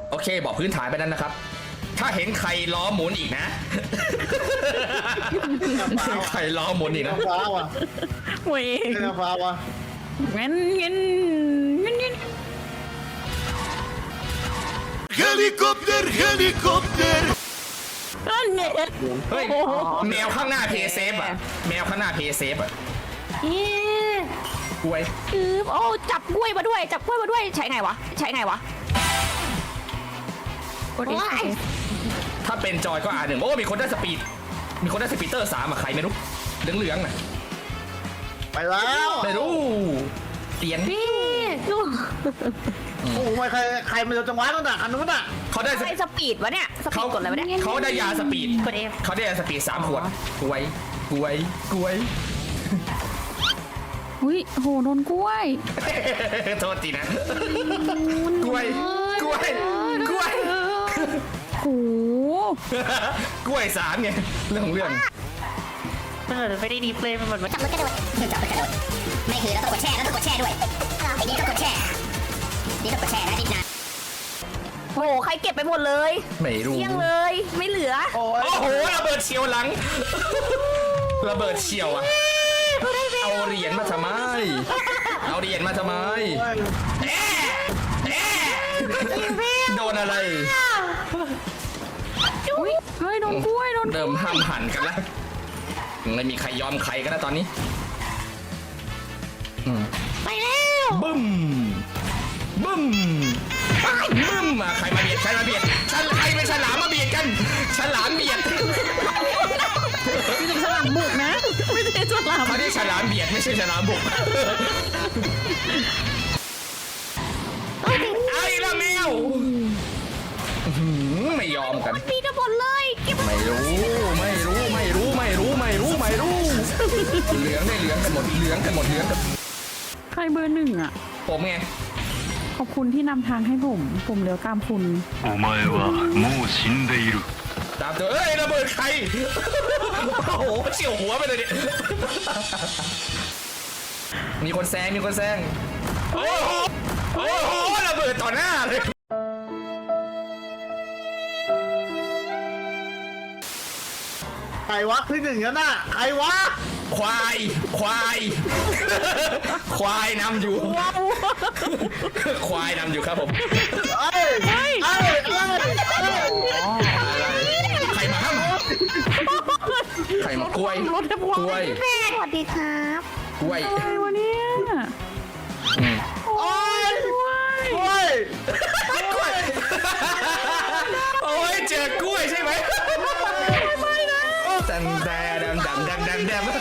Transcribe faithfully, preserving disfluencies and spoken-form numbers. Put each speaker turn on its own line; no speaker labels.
โอเคบอกพื้นฐานไปนั้นนะครับถ้าเห็นใครล้อหมุนอีกนะใครล้อหมุนอีกนะ
ฟ้าว่ะ
เว้ย
เจ้าฟ้าว่ะ
งั้นงั้นงั้นงั้น
Helikopter, helikopter.
นั่นเนี่ย
เฮ้ยแมวข้างหน้าเพย์เซฟอ่ะแมวข้างหน้าเพย์เซฟอ่ะ
เอ๊ะ
กล้วย
คือโอ้จับกล้วยมาด้วยจับกล้วยมาด้วยใช้ไงวะใช้ไงวะกดเอส
ถ้าเป็นจอยก็อ่านหนึ่งโอ้มีคนได้สปีดมีคนได้สปีดเตอร์สามอะใครไม่รู้เหลืองเหลืองๆน่ะ
ไปแล้ว
ไม่รู้เตียน
พี่ลูก
โอ้โหไม่ใครใครมันจะจังหวะตั้งแต่คันนู้นอ่ะ
เขาได้ส
ใครสปีดวะเนี่ยสปี
เขา
ดกดอะไรวะเนี่ย
เขาได้ยาสปีด
กดเอฟ
เขาได้ยาสปีดสามขวดกล้วยกล้วยกล้วย
อุ้ยโหโดนกล้วย
โทษทีนะกล้วยกล้วยกล้วย
โห
กล้วยสามไงเรื่องของเรื่อง
เออไม่ได้ดีเพลย์มันเหมือน
จับรถกระโดดจับรถกระโดดไม่คือเราต้องกดแช่เราต้องกดแช่ด้วยไอ้นี่ต้องกดแช่นี่ต้องกดแช่นะนิดนะ
โหใครเก็บไปหมดเลย
ไม่รู้
เที่ยงเลยไม่เหลือ
โอ้ย
โอ้โหระเบิดเฉียวหลังระเบิดเฉียวอะเอาเหรียญมาทำไมเอาเหรียญมาทำไมแอะแอะโดนอะไร
อุ้ยเฮ้ยโดนกล้วยโดน
เริ่มห้ามหันกันแล้วไม่มีใครยอมใครกันแล้วตอนนี้อืม
ไปแล้ว
บึ้มบึ้มบึ้มอ่ะใครมาเบียดใครมาเบียดฉันใครเป็นฉลามมาเบียดกันฉลามเบียด
ไม่ใช่ฉลามบุกนะไม่ใช่ฉลาม
เขาได้ฉลามเบียดไม่ใช่ฉลามบุกไอ้ละแมวอื้อหือไม่ยอมกัน
ปีกันหมดเลยเก็บ
ไม่รู้ไม่รู้ไม่รู้ไม่รู้ไม่รู้ไม่รู้เหลืองได้เหลืองกันหมดเหลืองกันหมดเหลืองกัน
ใครเบอร์หนึ่งอ่ะ
ผมไง
ขอบคุณที่นำทางให้ผม ผมเลี้ยวตามคุณ
お前はもう死んでいる。
ตามตัวเอ้ยระเบิดใครโอ้โหเฉียวหัวไปเลยเนี่ยมีคนแซงมีคนแซงโอ้โหโอ้โหระเบิดต่อหน้าเลย
ใครวะที่หนึ่งนั่นน่ะใครวะ
ควายควายควายนำอยู่ควายนำอยู่ครับผม
เอ้ยเอ้ยเอ้ยเอ้ย
อะไรใครมาห้ามใครมากล้วย
รถแทบวาย
กล้วย
สวัสดีครับ
กล้วย
อะไรวะเนี่ย
อืม
โอ้ย
กล้วย
โอ้ย
กล้วยโอ้ยเจอกล้วยใช่ไหมไม่นะดำแดมดำดำดำดำ